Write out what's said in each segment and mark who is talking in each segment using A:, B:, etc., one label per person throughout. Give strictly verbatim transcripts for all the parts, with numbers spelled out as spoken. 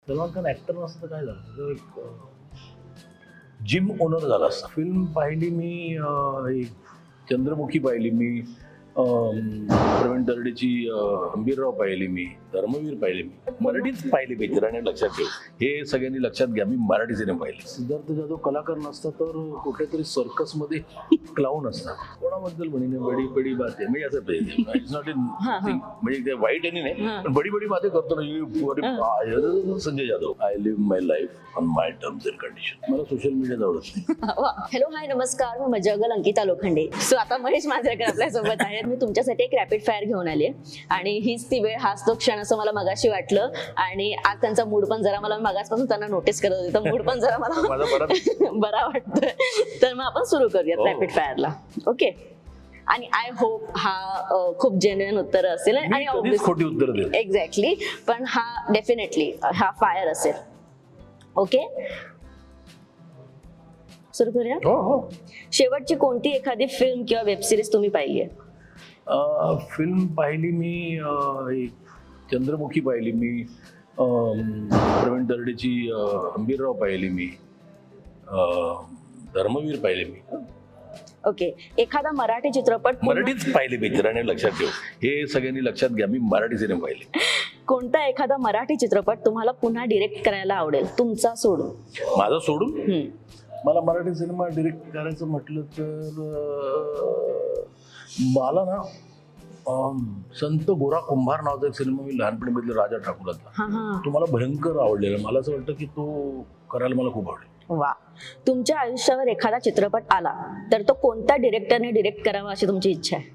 A: Salman Khan actor नसतं तर काय झालं तो एक जिम ओनर झाला असता. फिल्म पाहिली मी अं, एक चंद्रमुखी पाहिली मी, अं, प्रवीण दर्डेची अं, हंबीरराव पाहिली मी, धर्मवीर पाहिली मी. मराठीच पाहिली पिक्चर आणि लक्षात ठेव, हे सगळ्यांनी लक्षात घ्या, मी मराठी सिनेमा पाहिले. सिद्धार्थ जाधव कलाकार नसता तर कुठेतरी सर्कस मध्ये क्लाऊन असतात. कोणाबद्दल म्हणे बडी बडी बाते म्हणजे असं पाहिजे. इट्स नॉट इन म्हणजे ते वाईट आणि नाही, पण बडी बडी बाते करतो ना you- अरे बा- Sanjay Jadhav. I live my life on my terms and condition. मला सोशल मीडिया आवडत नाही.
B: हॅलो हाय नमस्कार, मी मजागल अंकिता लोखंडे. सो आता महेश मांजरेकर आपल्या सोबत आहेत. मी तुमच्यासाठी एक रॅपिड फायर घेऊन आली आणि हीच ती वेळ, हाच तो क्षण असं मला मगाशी वाटलं. आणि आज त्यांचा मूड पण जरा, मला मगासपासून त्यांना नोटीस करत होते, तर मूड पण जरा मला
A: माझा बरा
B: बरा वाटतोय. तर मग आपण सुरू करूयात रॅपिड फायरला. ओके. आणि आय होप हा अ, खूप जेन्युइन उत्तर असेल आणि
A: कधीच खोटी उत्तर देत.
B: एक्झॅक्टली, पण हा डेफिनेटली हा फायर असेल. ओके, सुरू करूया.
A: हो हो.
B: शेवटची कोणती एखादी फिल्म किंवा वेब सिरीज तुम्ही पाहिली आहे?
A: अं, फिल्म पाहिली मी अं, एक चंद्रमुखी पाहिली मी, अं, प्रवीण दर्डेची अं, हंबीरराव पाहिली मी, अं, धर्मवीर पाहिले मी.
B: ओके. एखादा मराठी चित्रपट पुन्हा-
A: मराठीच पाहिले पिक्चर आणि लक्षात ठेव, हे सगळ्यांनी लक्षात घ्या, मी मराठी सिनेमा पाहिले.
B: कोणता एखादा मराठी चित्रपट तुम्हाला पुन्हा डिरेक्ट करायला आवडेल, तुमचा सोडून?
A: माझं सोडून
B: हम्म.
A: मला मराठी सिनेमा डिरेक्ट करायचं म्हटलं तर अं, मला ना अं, संत गोरा कुंभार नावाचा एक सिनेमा मी लहानपणी बघितला, राजा ठाकूरचा.
B: हा हा.
A: तो मला भयंकर आवडलेला. मला असं वाटतं की तो करायला मला खूप आवडेल.
B: वा. तुमच्या आयुष्यावर एखादा चित्रपट आला तर तो कोणत्या डिरेक्टरने डिरेक्ट करावा अशी तुमची इच्छा आहे?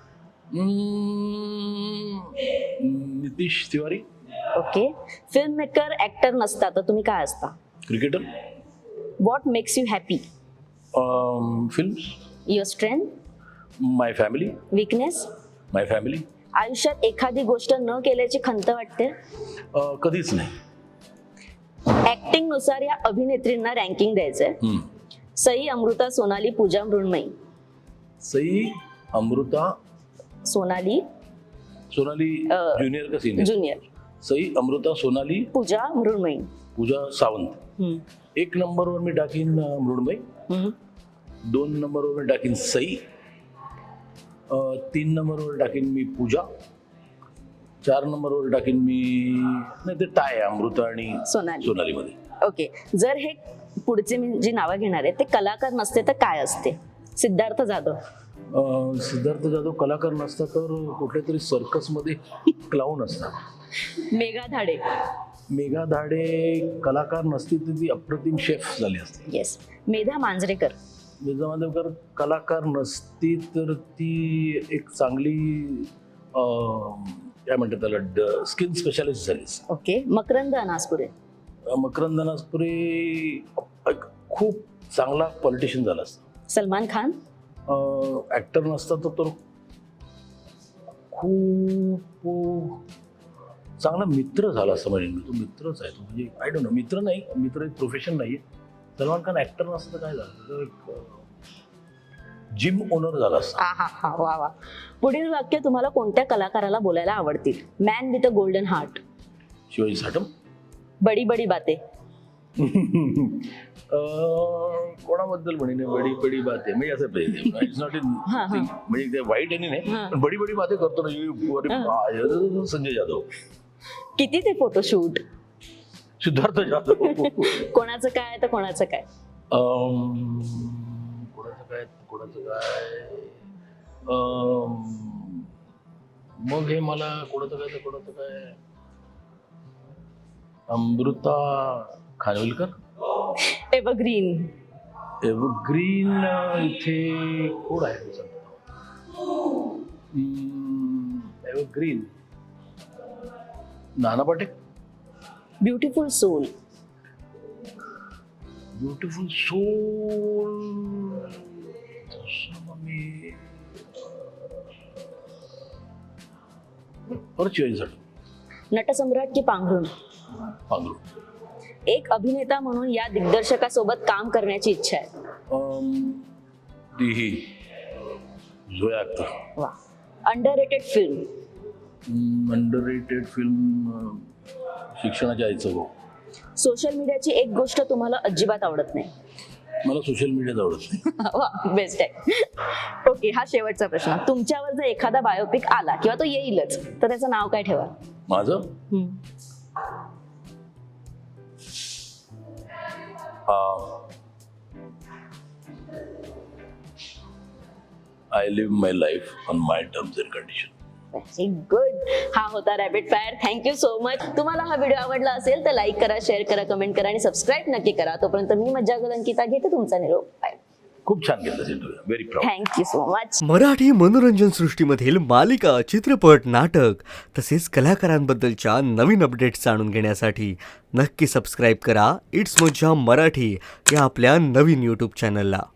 A: हम्म, Nitish Tiwari.
B: Okay. Film maker actor नसता तर तुम्ही काय असता?
A: Cricketer.
B: What makes you happy?
A: Films.
B: Your strength?
A: My family.
B: Weakness?
A: My family.
B: आयुष्यात एखादी गोष्ट न केल्याची खंत वाटते?
A: कधीच नाही.
B: ऍक्टिंग नुसार या अभिनेत्रींना रँकिंग द्यायचंय.
A: हम्म.
B: सई, अमृता, सोनाली, पूजा, मृण्मयी.
A: सई, अमृता,
B: सोनाली
A: सोनाली
B: अं,
A: ज्युनियर का सिनियर?
B: ज्युनियर.
A: सई, अमृता, सोनाली,
B: पूजा, मृण्मयी.
A: पूजा सावंत.
B: हम्म.
A: एक नंबरवर मी टाकीन अं, मृण्मयी.
B: हम्म.
A: दोन नंबरवर मी टाकीन सई. अं, तीन नंबरवर टाकीन मी पूजा. चार नंबरवर टाकीन मी, नाही ते टाय आहे अमृता आणि
B: सोनाली.
A: सोनालीमध्ये.
B: ओके. जर हे पुढचे मी जी नावं घेणार आहे ते कलाकार नसते तर काय असते? सिद्धार्थ जाधव.
A: अं, सिद्धार्थ जाधव कलाकार नसता तर कुठेतरी सर्कसमध्ये क्लाऊन असतात.
B: मेघा धाडे.
A: मेघा धाडे कलाकार नसती तर ती अप्रतिम शेफ झाली असते.
B: येस. मेधा मांजरेकर.
A: मेघा मांजरेकर कलाकार नसती तर ती एक चांगली अं, काय म्हणतात त्याला, स्किन स्पेशालिस्ट झाली असती.
B: ओके. मकरंद अनासपुरे.
A: मकरंद अनासपुरे एक खूप चांगला पॉलिटिशियन झाला असता.
B: सलमान खान.
A: ऍक्टर नसता तर तो खूप चांगला मित्र झाला असं म्हणेन मी. तो मित्रच आहे तो, म्हणजे आय डोंट नो, मित्र नाही, मित्र एक प्रोफेशन नाहीये. सलमान खान ऍक्टर नसतं तर काय झालं, तो एक जिम ओनर झाला असता.
B: हा हा हा. वा वा. पुढील वाक्य तुम्हाला कोणत्या कलाकाराला बोलायला आवडतील? Man with a golden heart.
A: Shivaji Satham.
B: बडी बडी बाते.
A: अं, कोणाबद्दल म्हणेन बडी बडी बाते म्हणजे असं पाहिजे. इट्स नॉट इन म्हणजे ते वाईट आणि नाही, पण बडी बडी बाते करतो ना you- अरे बा- संजय जाधव.
B: किती ते फोटोशूट?
A: सिद्धार्थ जाधव.
B: कोणाचं काय तर कोणाचं काय?
A: अं, कोणाचं काय कोणाचं काय अं, मग हे मला कोणाचं काय तर कोणाचं काय अमृता खानविलकर.
B: एव्हरग्रीन.
A: एव्हरग्रीन इथे कोण आहे ते सांगतो. Evergreen Nana Patekar.
B: Beautiful soul.
A: Beautiful soul. मी परत शिवाजीसाठी.
B: नटसम्राट की पांघरुण?
A: पांघरुण.
B: एक अभिनेता म्हणून या दिग्दर्शकासोबत काम करण्याची इच्छा आहे.
A: अं, ती ही झोया अख्तर.
B: वा. Underrated film?
A: अंडररेटेड फिल्म शिक्षणाच्या आईचं भाऊ.
B: सोशल मीडियाची एक गोष्ट तुम्हाला अजिबात आवडत नाही.
A: मला सोशल मीडियाच आवडत नाही.
B: बेस्ट आहे. ओके, हा शेवटचा प्रश्न. तुमच्यावर जर एखादा बायोपिक आला किंवा तो येईलच तर त्याचं नाव काय ठेवा?
A: माझं
B: हम्म.
A: I live my life on my terms and condition.
B: Very good. हा होता rapid fire. Thank you so much. तुम्हाला हा व्हिडिओ आवडला असेल तर लाईक करा, शेअर करा, कमेंट करा आणि सबस्क्राईब नक्की करा. तोपर्यंत मी मज्जा अंकिता घेते तुमचा निरोप. बाय.
A: खूप छान केलं interview. Very proud.
B: Thank you so much.
C: Marathi मनोरंजन सृष्टीमधील मालिका, चित्रपट, नाटक तसेच कलाकारांबद्दलच्या नवीन अपडेट्स जाणून घेण्यासाठी नक्की सबस्क्राईब करा इट्स मज्जा मराठी या आपल्या नवीन यूट्यूब चॅनलला.